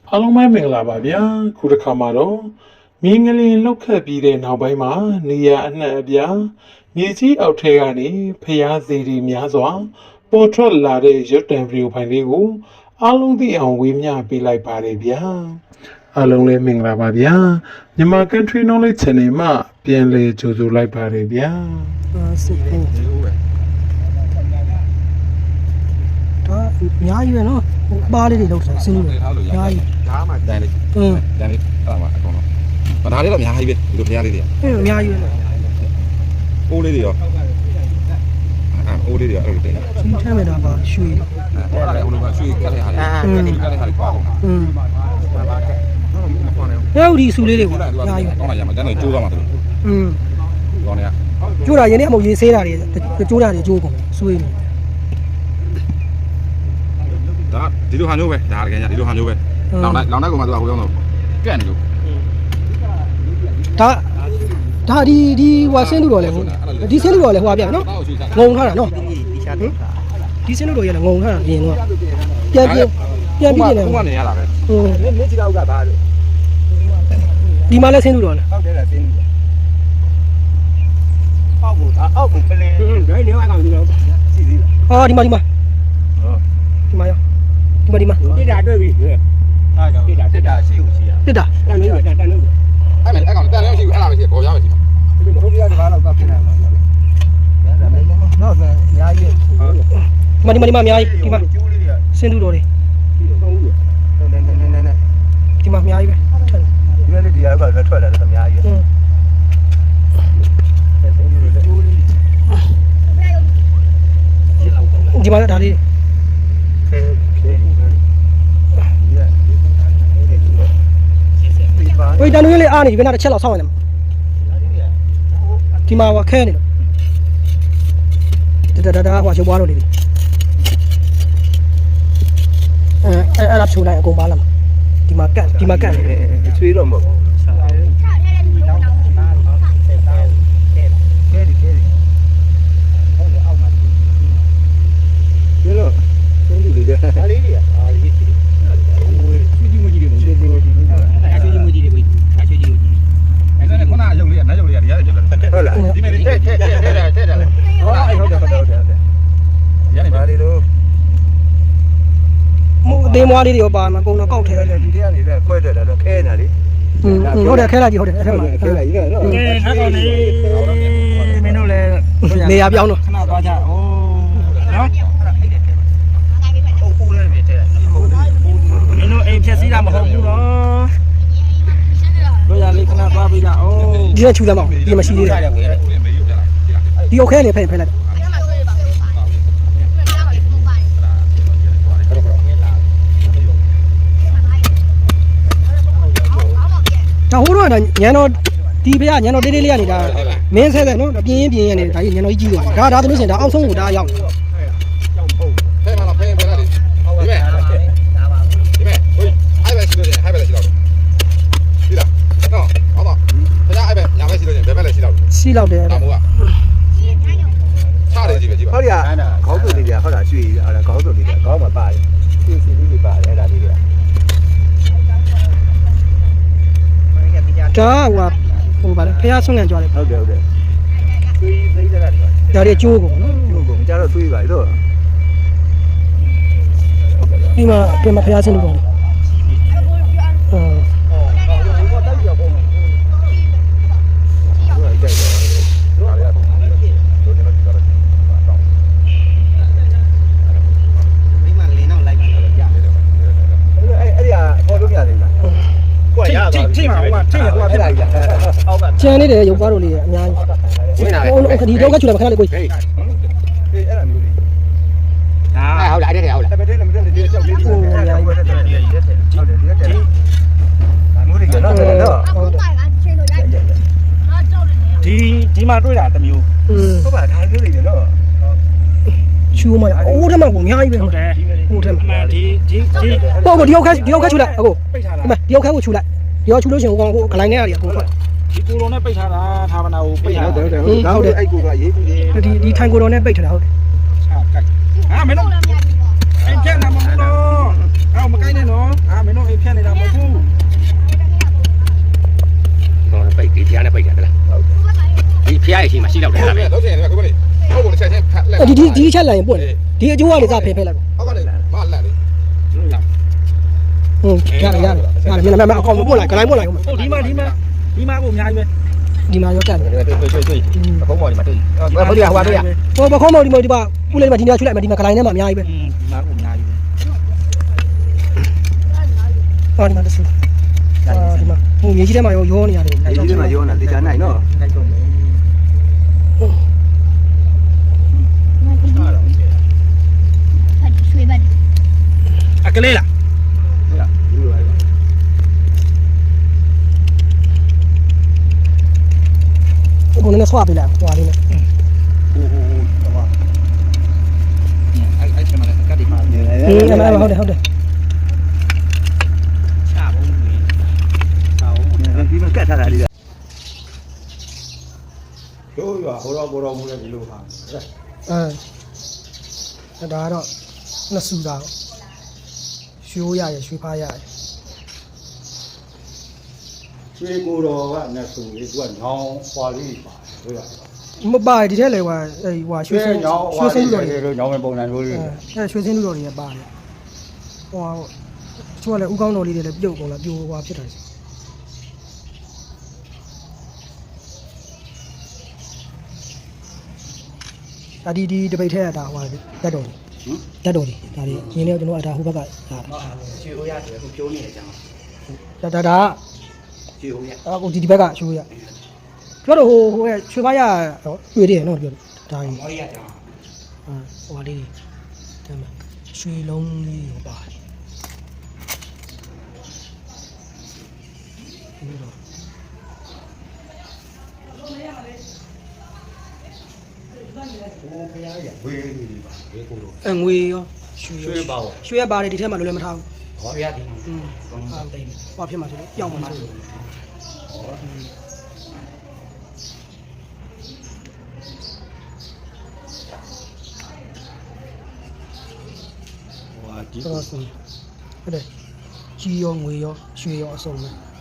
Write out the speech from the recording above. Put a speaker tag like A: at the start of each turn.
A: အားလုံးပဲမင်္ဂလာပါဗျာခုတစ်ခါမှာတော့မြင်းငလင်လောက်ခတ်ပြီးတဲ့နောက်ပိုင်းမှာနေရအနှံ့အပြားမြေကြီးအောက်ထဲကနေဖျားစီတွေများစွာပေါ်ထွက်လာတဲ့ရုပ်တံဗီဒီယိုဖိုင်လေးကိုအားလုံးသိအောင်ဝေမျှပေးလိုက်ပါတယ်ဗျာအားလုံးလည်းမင်္ဂလာပါဗျာမြန်မာ Country Knowledge Channel မှာပြန်လည်ကြိုဆိုလိုက်ပါတယ်ဗျာ
B: စစ်ဖို့ဒါအများကြီးပဲနော်ပါးလေးတွေလောက်ဆင်းလို့အများကြီး
C: ဒါမှတန်လေးတန်လေးအဲ့မှာအကုန်လုံးဒါလေးတော့အများကြီးပဲဒီလိုဖျားလေးတွေ
B: အများကြီးပဲ
C: အိုးလေးတွေရောအိုးလေးတွေအဲ့လိုတင်
B: စီးထမ်းမဲ့တာပါရွှေ
C: အဲ့ဒါဟိုလိုကရွှေကလေးဟာလေးကလေးဟာလေးပါအောင်
B: ရောက်ဒီဆူလေးတွေကိုအများကြီး
C: ကောင်းလာရမှာတန်းတော့ကျိုးသွားမှာသူကောင်းနေရ
B: ကျိုးတာရင်းနဲ့အမဟုတ်ရေးဆေးတာတွေကျိုးတာတွေကျိုးကုန်ဆွေးနေ
C: ဒါဒီလိုဟာမျိုးပဲဒါတကယ်ညာဒီလိုဟာမျိုးပဲလောင်လိုက်ကောင်မှသူကဟိုရောက်တော့ကန့်နေလို့
B: ဒါဒီဟိုဆင်းလို့တော့လေဒီဆင်းလို့တော့လေဟိုပြနော်ငုံထားတာနော်ဒီဆင်းလို့တော့ရလေငုံထားတာပြင်တော့ပြန်ပြီးနေတယ်
C: ဟိုကနေရတာပဲ
B: မြစ်ကြီးတော့ကဘာလို့ဒီမှာလဲဆင်းလို့တော့လား
D: ဟုတ်တယ်လားဆင်းလို့အောက်ကိုပလဲဒိုင်းနေအောင်ကောင်ဒီတော့ရှိသေးလား
B: ဒီမှာရောဒီမှာ
D: တစ်တာတွေ့ပြီအားကြောင့်တစ်တာရှိကိုရှိရ
B: တစ်တာ
D: တန်လို့တန်လို့
C: အဲ့ကောင်တန်လည်းရှိဘူးအဲ့လားမရှိပေါ်ရမရှိ
D: ဘူးဒီဟိုဒီကဘာလို့တော့ဖြစ်နေမှာလဲတော့ဆိုညာကြီး
B: ဒီမှာအများကြီးဒီမှာ
D: ကျိုးလေးတွေက
B: ဆင်းလို့တော့လေ
D: သုံးလို့နဲ
B: ဒီမှာအများကြီးပဲ
D: ဒီမဲ့ဒီကတော့ထွက်လာတယ်အများကြီး
B: ဒီမှာဒါလေးဝေးတန်လို့လေးအားနေဒီဘက်နာတစ်ချက်လောက်ဆောင်းရတယ်ဒီမှာခဲနေလို့ဒါဟိုရုပ်ပွားလို့နေပြီအဲ့ဒါဖြိုးလိုက်အကုန်ပါလာမှာဒီမှာကတ်
D: ချွေးတော့မဟုတ်ဘူးဟုတ်လား
C: ဒီမဲ့ထက်တယ်
D: ဟုတ်တယ်ရနေပါလေတော့
B: အသေးမွားလေးတွေရောပါမှာအကုန်တော့ကောက်ထဲ
D: တယ်ဒီထဲကနေလည်းခွဲထွက်တာတော့ခဲနေတာလေ
B: ဟုတ်တယ်ခဲလိုက်ကြီးဟုတ်တယ်အဲ့ထက်မှာ
D: ခဲလိုက်ကြီးနော်
B: ကဲထားကောင်းနေမင်းတို့လည်းနေရာပြောင်းတော့
D: ခဏသွားကြအိုးနော်ဟုတ်ပူလည်းပြထဲမင်းတို့အိမ်ဖြက်စီးတာမဟုတ်ဘူးနော်တို့ရလေးခဏသွားပြီးတာအိုး
B: ဒီကချူလာမအောင်ဒီမှာရှိသေးတယ်ဒီโอเคလေဖယ်လိုက်ဒါဟိုတော့ညံတော်ဒီဘေးကညံတော်တေးလေးကနေဒါမင်းဆဲဆဲနော်ပြင်းရနေဒါကြီးညံတော်ကြီးကြီးသွားဒါဆိုလို့ရှိရင်ဒါအောက်ဆုံးကိုဒါရောက်
C: ဖဲမှာတော့ဖဲလိုက်ဒီမဲ့ဟိုအဲ့ပဲရှိလို့ဟဲ့ပဲရှိတော့ဒီလားနော်ဟုတ်ပါဖဲအဲ့ပဲညာပဲရှိလို့ဘယ်ပဲလဲရှိတော့
B: ရှိတော့တယ်
C: ဒါမို့ကချတယ်ကြည့်ပဲကြည့်ပါ
D: ဟုတ်ရခေါင်းစုပ်လေးပြဟုတ်လားရွှေဟုတ်လားခေါင်းစုပ်လေးပြခေါင်းမှာပါတယ်ရွှေစီလေးတွေပါတယ်အဲ့ဒါလေးတွေက
B: ဒါဟိုပါလေဖះဆွန့်ငံကြွားတယ်
D: ဟုတ်တယ်သွေးသိတဲ့ကတွေ
B: ဒါတွေကျိုးကုန်နော်
D: ကျိုးကုန်ကြတော့သွေးပါလေတော့
B: ဒီမှာပြန်မဖះဆင်းလို့ပေါ့ကျန်နေတယ်ရုပ်ကားတို့လေးအများကြီးဒီတော့ကချူလာခဏလေးကို
D: အဲ့ဒါမျိုးလေး
C: ဟုတ်လားအဲ့ဒါဟုတ်လား
D: တပည့်နဲ့မတက်တဲ့ကြောက်လေးတွေဟုတ်တယ်ဒီကတက်ဟုတ်တယ်ဒီကတက်ဒါမျိုးတွေကတော့ဒီမှာတွေ့တာတမျိုးဟုတ်ပါဒါမျိုးတွေတော့
B: ချူမအိုးထမကိုအများကြီးပဲဟုတ်တယ်ဟိုထမ
D: ဒီ
B: ပေါ့ဒီရောက်ခချူလိုက်အခုဒီရောက်ခကိုချူလိုက်ဒီရောက်ချူလို့ရှိရင်ဟိုကောင်ဟိုဂလိုင်းထဲရတယ်အကုန်ထွက်
D: ဒီကိုတော်နဲ့ပိတ်ထားတာဌာနကိုပိတ်ထား
C: ဟုတ်တယ်အဲ့ကိုကအရေးကြီးတယ်
B: ဒီထိုင်ကိုတော်နဲ့ပိတ်ထားတာဟုတ်တယ်
D: မင်းတို့အိမ်ဖြတ်နေမှာမလို့မကိုင်းနဲ့နော်မင်းတို့အိမ်ဖြတ်နေတာမ
E: ရှိလောက်တယ်အဲ့ဒါပဲ
C: လောက်ချင်တယ်ကိုမလေးဟုတ်ကိုချက်ချင်းဖက်လက်
B: ဒီချက်လိုက်ရင်ပွင့်ဒီအကျိုးကနေစဖယ်ဖယ်လိုက်
C: အောက်ကနေမလက်လေ
B: ဟုတ်ရတယ်မအကောင်ပွင့်လိုက်ခလိုင်းပွင့်လိုက်ဟုတ်
D: ဟုတ်ဒီမှာကိုအများကြီးပဲ
B: ဒီမှာရောကတ်တယ်
E: တွေ့အကုန်းပေါ်ဒီမှာတွေ့ဘယ်လိုဟိုပါတွေ့ရ
B: ဟိုဘခေါမောဒီမှာဒီပါဥလေးမှာဒီနေရာချွလိုက်မှာဒီမှာခလိုင်းထဲမှာအများကြီးပဲ
D: ဒီမှာကိုအများကြီးပဲ
B: ဟောဒီမှာတဆူဒီမှာဟိုမြေကြီးထဲမှာရောနေရတယ်
E: ဒီထဲမှာရောနေတာတေချာနိုင်နော်
D: တိုက်တော့မယ်
F: ရွှေဘက်
D: အကလေးလား
B: ဟိုနည်းဆွာပေးလိုက်ဟွာလေးနဲ့
D: အဲ့ဒီမှာလည်းအကတ်ဒီမှာ
B: ဟုတ်တယ်
D: ချဘုံးကြီး
E: ဒီမှာကတ်ထားတာလေး
C: တို့ရွာဟိုတော့ဘောတော်မူလည်းဒီလိုဟာ
B: ဒါကတော့နှစ်ဆူတာရွှေရရရွှေဖားရရ
G: ရွှေကိုတော်ကနဲ့ဆိုလေသူကညောင်းဟွာလေးပါတို့ရ
B: မပါဒီထဲလေဟွာရွှေစင်း
G: ညောင်းဟွာ
B: ရွှေစင်း
G: လေး
B: လူတော်တွေ
G: တို့ညောင်းမဲ့ပုံစံမျိုးလေး
B: ရွှေစင်းလူတော်တွေပါတယ်ဟွာချိုးကလည်းဥကောင်းတော်လေးတွေလည်းပြုတ်ကုန်လာပြိုဟွာဖြစ်တာစီဒီတပိတ်ထဲကဒါဟွာတက်တော်တက်တော်ဒါလေးရင်းနေကျွန်တော်ဒါဟိုဘက်ကဒါ
E: ရွှေဟိုရတယ်အခုဖြိုးနေတယ်ကြောင်း
B: ဒါ
E: ရွှေဟိုရ
B: အခုဒီဘက်ကရွှေရပြောတော့ဟိုရွှေဖားရတွေ့တယ်နော်ပြောဒါကြီး
E: မော်ရီရကြောင်း
B: ဟိုလေးတမ်းရွှေလုံးလေးဟိုပါတယ်ငွေရောရွှေပါရွှေရပါတယ်ဒီထဲမှာလည်းမထားဘူး
E: ရွှေရဒီမှာ
B: ဟာတိတ်ဟောဖြစ်မှာဆိုလို့ပြောင်းမှာဆိုလို့
G: ဟွာဒီ
B: တော့ဆိုဟုတ်တယ်ကြီးရောငွေရောရွှေရောအစုံပဲ